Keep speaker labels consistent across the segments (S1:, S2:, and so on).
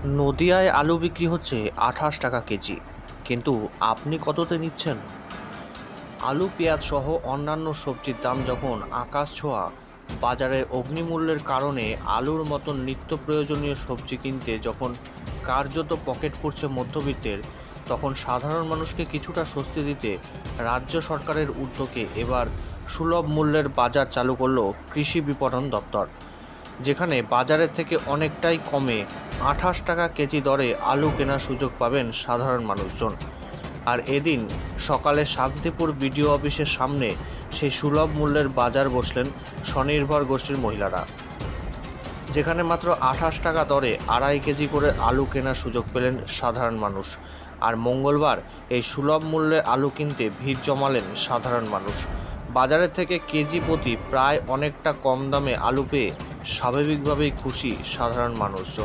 S1: নদিয়ায় আলু বিক্রি হচ্ছে 28 টাকা কেজি, কিন্তু আপনি কততে নিচ্ছেন? আলু, পেঁয়াজ সহ অন্যান্য সবজির দাম যখন আকাশ ছোঁয়া, বাজারে অগ্নিমূল্যের কারণে আলুর মতন নিত্য প্রয়োজনীয় সবজি কিনতে যখন কার্যত পকেট পড়ছে মধ্যবিত্তের, তখন সাধারণ মানুষকে কিছুটা স্বস্তি দিতে রাজ্য সরকারের উদ্যোগে এবার সুলভ মূল্যের বাজার চালু করল কৃষি বিপণন দপ্তর, যেখানে বাজারের থেকে অনেকটাই কমে 28 টাকা কেজি দরে আলু কেনার সুযোগ পাবেন সাধারণ মানুষজন। আর এদিন সকালে শান্তিপুর বিডিও অফিসের সামনে সেই সুলভ মূল্যের বাজার বসলেন স্বনির্ভর গোষ্ঠীর মহিলারা, যেখানে মাত্র 28 টাকা দরে 2.5 কেজি করে আলু কেনার সুযোগ পেলেন সাধারণ মানুষ। আর মঙ্গলবার এই সুলভ মূল্যে আলু কিনতে ভিড় জমালেন সাধারণ মানুষ। বাজারের থেকে কেজি প্রতি প্রায় অনেকটা কম দামে আলু পেয়ে স্বাভাবিকভাবেই খুশি সাধারণ মানুষজন।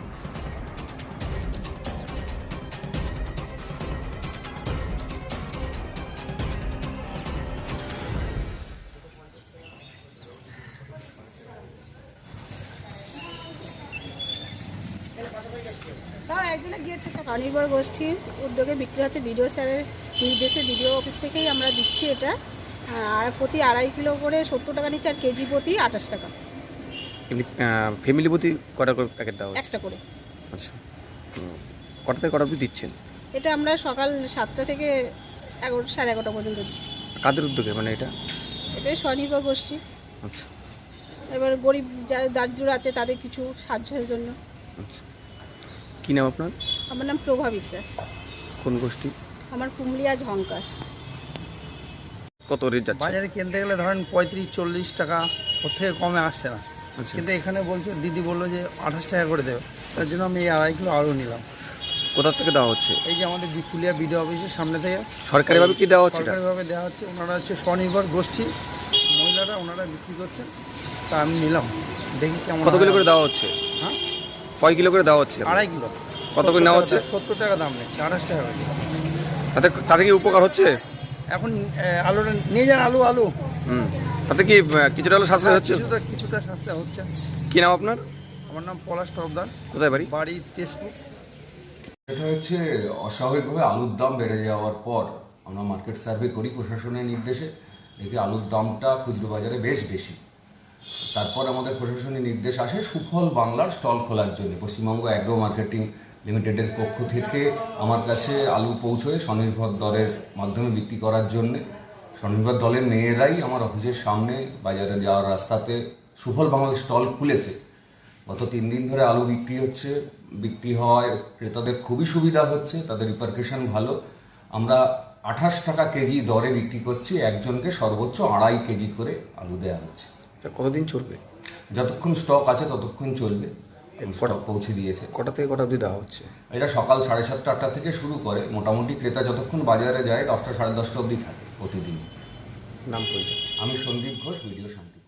S2: স্বনির্ভর গোষ্ঠীর উদ্যোগে বিক্রি হচ্ছে, বিডিও স্যারের নির্দেশে বিডিও অফিস থেকেই আমরা দিচ্ছি এটা। আর প্রতি 2.5 কিলো করে 70 টাকা নিচ্ছে, আর কেজি প্রতি 28 টাকা।
S3: ফ্যামিলি প্রতি কটা করে প্যাকেট দেওয়া হচ্ছে?
S2: একটা করে।
S3: আচ্ছা, কটা থেকে কটা অবধি দিচ্ছেন?
S2: এটা আমরা সকাল 7টা থেকে 11:30 পর্যন্ত দিচ্ছি।
S3: কাদের উদ্যোগে মানে এটা?
S2: এটাই স্বনির্ভর গোষ্ঠী।
S3: আচ্ছা,
S2: এবার গরিব যারা দারিদ্র আছে তাদের কিছু সাহায্যের জন্য।
S3: আচ্ছা, কী নাম আপনার?
S2: আমার নাম প্রভা বিশ্বাস।
S3: কোন গোষ্ঠী?
S2: আমার কুমলিয়া ঝঙ্কার।
S3: কত রেট যাচ্ছে?
S4: বাজারে কিনতে গেলে ধরেন 35-40 টাকা, ওর থেকে কমে আসছে না।
S3: আচ্ছা,
S4: কিন্তু এখানে বলছে, দিদি বললো যে 28 টাকা করে দেবে, তার জন্য আমি এই 2.5 কিলো আলু নিলাম।
S3: কোথা থেকে দেওয়া হচ্ছে?
S4: এই যে আমাদের বিকুলিয়া বিডিও অফিসের সামনে থেকে
S3: সরকারিভাবে কি দেওয়া হচ্ছে এটা?
S4: সরকারিভাবে দেওয়া হচ্ছে। ওনারা হচ্ছে স্বনির্ভর গোষ্ঠী মহিলারা, ওনারা বিক্রি করছেন, তা আমি নিলাম, দেখি কেমন।
S3: কত কিলো করে দেওয়া হচ্ছে?
S4: হ্যাঁ,
S3: কয় কিলো করে দেওয়া হচ্ছে?
S4: 2.5 কিলো।
S3: কত করে নেওয়া হচ্ছে?
S4: 70 টাকা দাম নেই, 28 টাকা করে।
S3: তাতে কি উপকার হচ্ছে?
S4: এখন আলুটা নিয়ে যান, আলু
S3: তাতে কি কিছুটা হলো সাশ্রয় হচ্ছে?
S4: কিছুটা সাশ্রয় হচ্ছে।
S3: কি নাম আপনার?
S4: আমার নাম পলাশ তরফদার।
S3: কোথায় বাড়ি?
S4: বাড়ি তেজপুর।
S5: এটা হচ্ছে অস্বাভাবিকভাবে আলুর দাম বেড়ে যাওয়ার পর আমরা মার্কেট সার্ভে করি প্রশাসনের নির্দেশে, দেখি আলুর দামটা খুচরো বাজারে বেশ বেশি। তারপর আমাদের প্রশাসনের নির্দেশ আসে সুফল বাংলার স্টল খোলার জন্য। পশ্চিমবঙ্গ অ্যাগ্রো মার্কেটিং লিমিটেডের পক্ষ থেকে আমার কাছে আলু পৌঁছয় স্বনির্ভর দলের মাধ্যমে বিক্রি করার জন্যে। স্বনির্ভর দলের মেয়েরাই আমার অফিসের সামনে বাজারে যাওয়ার রাস্তাতে সুফল বাংলার স্টল খুলেছে। গত 3 দিন ধরে আলু বিক্রি হচ্ছে, বিক্রি হওয়ায় ক্রেতাদের খুবই সুবিধা হচ্ছে, তাদের রিপারকেশন ভালো। আমরা 28 টাকা কেজি দরে বিক্রি করছি, একজনকে সর্বোচ্চ 2.5 কেজি করে আলু দেওয়া হচ্ছে।
S3: কতদিন চলবে?
S5: যতক্ষণ স্টক আছে ততক্ষণ চলবে। স্টক পৌঁছে দিয়েছে।
S3: কটা থেকে কটা অবধি দেওয়া হচ্ছে?
S5: এটা সকাল 7:30-8টা থেকে শুরু করে, মোটামুটি ক্রেতা যতক্ষণ বাজারে যায় 10টা সাড়ে 10টা অবধি থাকে প্রতিদিন।
S3: নাম পরিচয়?
S5: আমি সন্দীপ ঘোষ, ভিডিও শান্তি।